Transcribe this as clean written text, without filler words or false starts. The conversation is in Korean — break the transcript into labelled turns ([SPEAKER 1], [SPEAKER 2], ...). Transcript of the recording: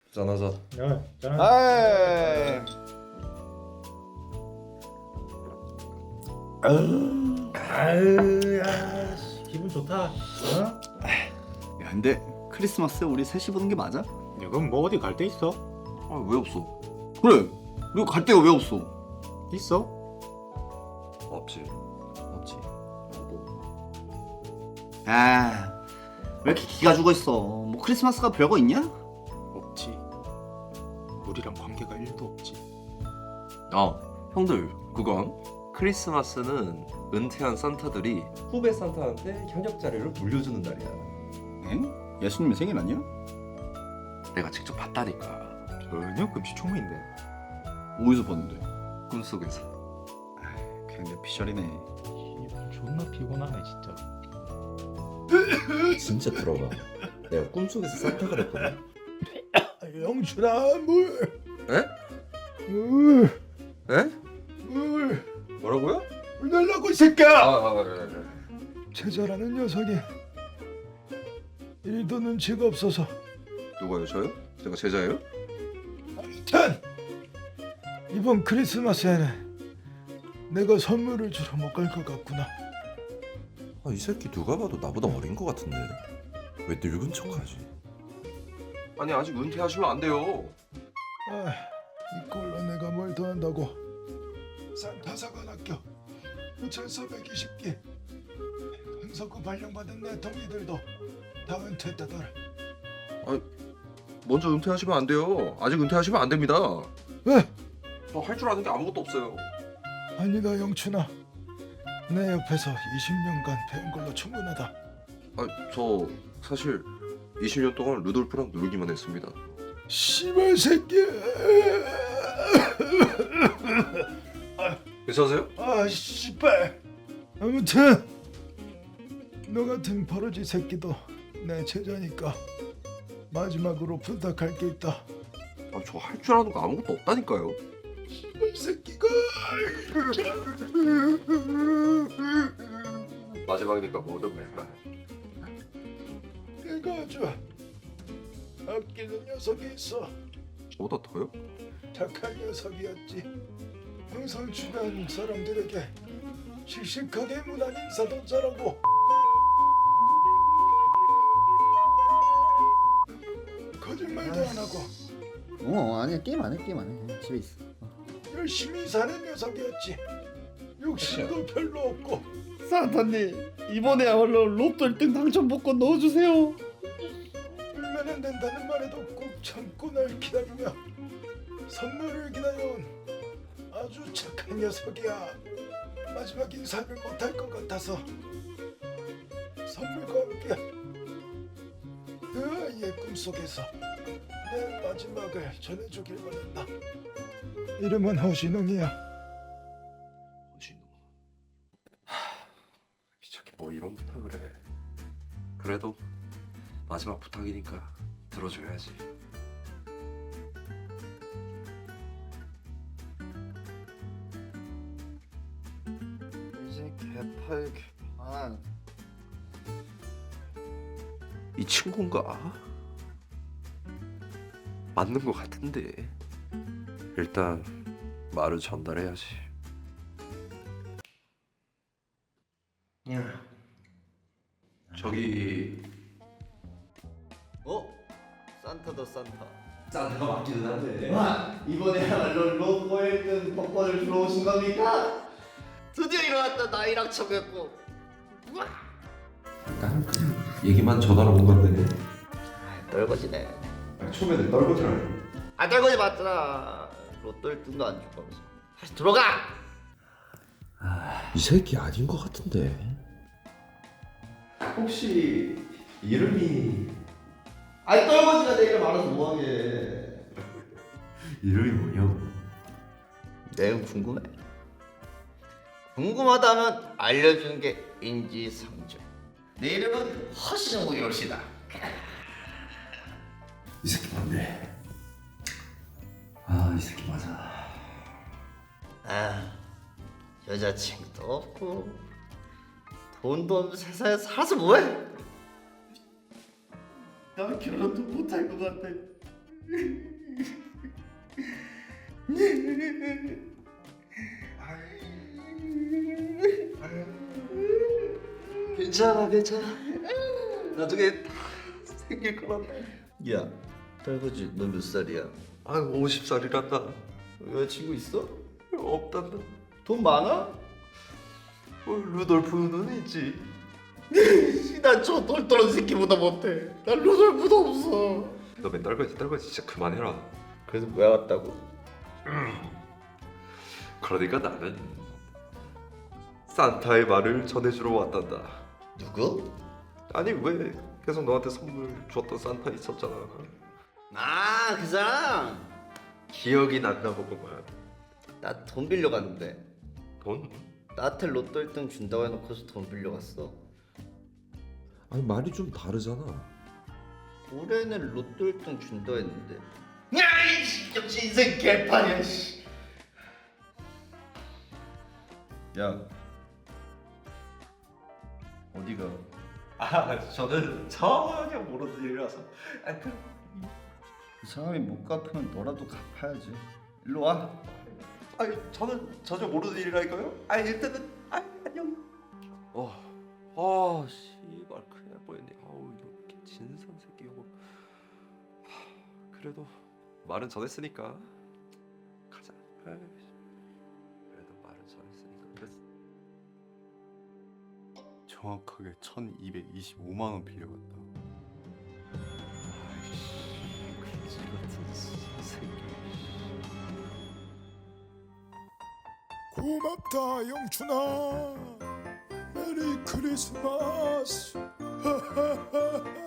[SPEAKER 1] 짠하자.
[SPEAKER 2] 야, 짠.
[SPEAKER 3] 아이.
[SPEAKER 2] 아유, 야, 씨, 기분 좋다. 어?
[SPEAKER 3] 야, 근데 크리스마스에 우리 셋이 보는 게 맞아?
[SPEAKER 2] 이건 뭐 어디 갈 데 있어?
[SPEAKER 3] 아, 왜 없어? 그래. 너 갈 데가 왜 없어?
[SPEAKER 2] 있어?
[SPEAKER 1] 없지. 없지.
[SPEAKER 3] 아, 왜 이렇게 기가 죽어 있어? 뭐 크리스마스가 별거 있냐?
[SPEAKER 2] 없지. 우리랑 관계가 1도 없지.
[SPEAKER 1] 형들 그건 크리스마스는 은퇴한 산타들이 후배 산타한테 현역자리를 물려주는 날이야.
[SPEAKER 3] 응? 예수님의 생일 아니야?
[SPEAKER 1] 내가 직접 봤다니까.
[SPEAKER 2] 전혀 금시초문인데.
[SPEAKER 3] 어디서 봤는데?
[SPEAKER 1] 꿈속에서.
[SPEAKER 3] 그냥 내 피셜이네.
[SPEAKER 2] 존나 피곤하네 진짜.
[SPEAKER 1] 진짜 들어봐. 내가 꿈속에서 산타가 됐거든.
[SPEAKER 4] 영춘아 물.
[SPEAKER 1] 에?
[SPEAKER 4] 물.
[SPEAKER 1] 에?
[SPEAKER 4] 물.
[SPEAKER 1] 뭐라고요?
[SPEAKER 4] 물 달라고 이 새끼야.
[SPEAKER 1] 그래.
[SPEAKER 4] 제자라는 녀석이 일도 눈치가 없어서
[SPEAKER 1] 누가요? 저요? 제가 제자예요?
[SPEAKER 4] 하여튼 이번 크리스마스에는 내가 선물을 주러 못 갈 것 같구나.
[SPEAKER 5] 이 새끼 누가 봐도 나보다 어린 것 같은데 왜 늙은 척하지?
[SPEAKER 1] 아니 아직 은퇴하시면 안 돼요.
[SPEAKER 4] 이꼴로 내가 뭘 더 한다고. 산타사관 학교 우체서 120기 흥석구 발령받은 내 동기들도 다 은퇴했다더라.
[SPEAKER 1] 먼저 은퇴하시면 안 돼요. 아직 은퇴하시면 안 됩니다.
[SPEAKER 4] 왜?
[SPEAKER 1] 저 할 줄 아는 게 아무것도 없어요.
[SPEAKER 4] 아니다 영춘아, 내 옆에서 20년간 배운 걸로 충분하다.
[SPEAKER 1] 저 사실 20년 동안 루돌프랑 놀기만 했습니다.
[SPEAKER 4] 씨발 새끼.
[SPEAKER 1] 괜찮으세요?
[SPEAKER 4] 씨발. 아무튼 너 같은 버러지 새끼도 내 제자니까 마지막으로 부탁할 게 있다.
[SPEAKER 1] 저 할 줄 아는 거 아무것도 없다니까요.
[SPEAKER 4] 씨발 새끼가.
[SPEAKER 1] 마지막이니까 뭐든 말까.
[SPEAKER 4] 내가 아주 아끼는 녀석이 있어.
[SPEAKER 1] 저보다 더요?
[SPEAKER 4] 착한 녀석이었지. 항상 주변 사람들에게 씩씩하게 무난 인사도 잘하고 거짓말도 안 하고
[SPEAKER 3] 아니야. 게임 안 해. 집에 있어.
[SPEAKER 4] 열심히 사는 녀석이었지. 욕심도 별로 없고.
[SPEAKER 3] 산타님, 이번에야말로 로또 1등 당첨 복권 넣어주세요.
[SPEAKER 4] 울면은 된다는 말에도 꼭 참고 날 기다리며 선물을 기다려온 아주 착한 녀석이야. 마지막 인사를 못할 것 같아서 선물과 함께 그 아이의 꿈속에서 내 마지막을 전해주길 바란다. 이름은 허신웅이야.
[SPEAKER 1] 귀찮게 뭐 이런 부탁을 해. 그래도 마지막 부탁이니까 들어줘야지.
[SPEAKER 3] 이제 개팔개.
[SPEAKER 1] 이 친구인가? 맞는 것 같은데. 일단 말을 전달해야지. 저기
[SPEAKER 3] 산타다 산타.
[SPEAKER 1] 산타가 맞기는 한데.
[SPEAKER 3] 이번에야말로 로또 1등 복권을 주러 오신 겁니까? 드디어 일어났다. 나이랑 처겠고.
[SPEAKER 5] 나는 그냥 얘기만 전화로 온 건데
[SPEAKER 3] 떨거지네.
[SPEAKER 5] 처음에는 떨거지라
[SPEAKER 3] 떨거지 맞잖아. 로또 1등도 안 줄 거면서. 다시 들어가.
[SPEAKER 5] 이 새끼 아닌 것 같은데 혹시 이름이
[SPEAKER 3] 떨거지가 내 이름 알아서 뭐하게.
[SPEAKER 5] 이름이 뭐냐고
[SPEAKER 3] 내용 궁금해? 궁금하다면 알려주는 게 인지상정. 내 이름은 허신웅 열시다.
[SPEAKER 5] 이 새끼 맞네 이 새끼 맞아
[SPEAKER 3] 여자친구도 없고 돈도 없는 세상에 살아서 뭐해? 난 결혼도 못할 것 같아.
[SPEAKER 1] 괜찮아 괜찮아. 나중에 다 생길 거란다.
[SPEAKER 3] 야, 딸거지 너 몇 살이야?
[SPEAKER 1] 아 50살이란다.
[SPEAKER 3] 여자친구 있어?
[SPEAKER 1] 없단다.
[SPEAKER 3] 돈 많아?
[SPEAKER 1] 루돌프는 있지.
[SPEAKER 3] 난저 똘똘한 새끼보다 못해. 난 루돌프도 없어.
[SPEAKER 1] 너 맨날 떨거지 진짜 그만해라.
[SPEAKER 3] 그래서 왜 왔다고?
[SPEAKER 1] 그러니까 나는 산타의 말을 전해주러 왔단다.
[SPEAKER 3] 누구?
[SPEAKER 1] 아니 왜 계속 너한테 선물 줬던 산타 있었잖아.
[SPEAKER 3] 아, 그 사람.
[SPEAKER 1] 기억이 난다 보구만.
[SPEAKER 3] 나 돈 빌려갔는데.
[SPEAKER 1] 돈?
[SPEAKER 3] 나한테 로또 1등 준다고 해놓고서 돈 빌려갔어.
[SPEAKER 5] 아니 말이 좀 다르잖아.
[SPEAKER 3] 올해는 로또 1등 준다 했는데. 야이씨, 역시 인생 개판이야. 씨. 야, 어디가?
[SPEAKER 1] 아 저는 전혀 모르는 일이라서.
[SPEAKER 3] 그 사람이 못 갚으면 너라도 갚아야지. 일로 와.
[SPEAKER 1] 아니 저는 전혀 모르는 일이라니까요. 아니 일단은 안녕. 씨발 큰일 날 뻔했네. 아우 이렇게 진상 새끼 이거. 그래도 말은 전했으니까 가자. 아이씨. 그래도 말은 전했으니까 그랬어.
[SPEAKER 6] 정확하게 1225만 원 빌려갔다.
[SPEAKER 1] 그지 같은 새끼.
[SPEAKER 4] 고맙다 영춘아. 메리 크리스마스.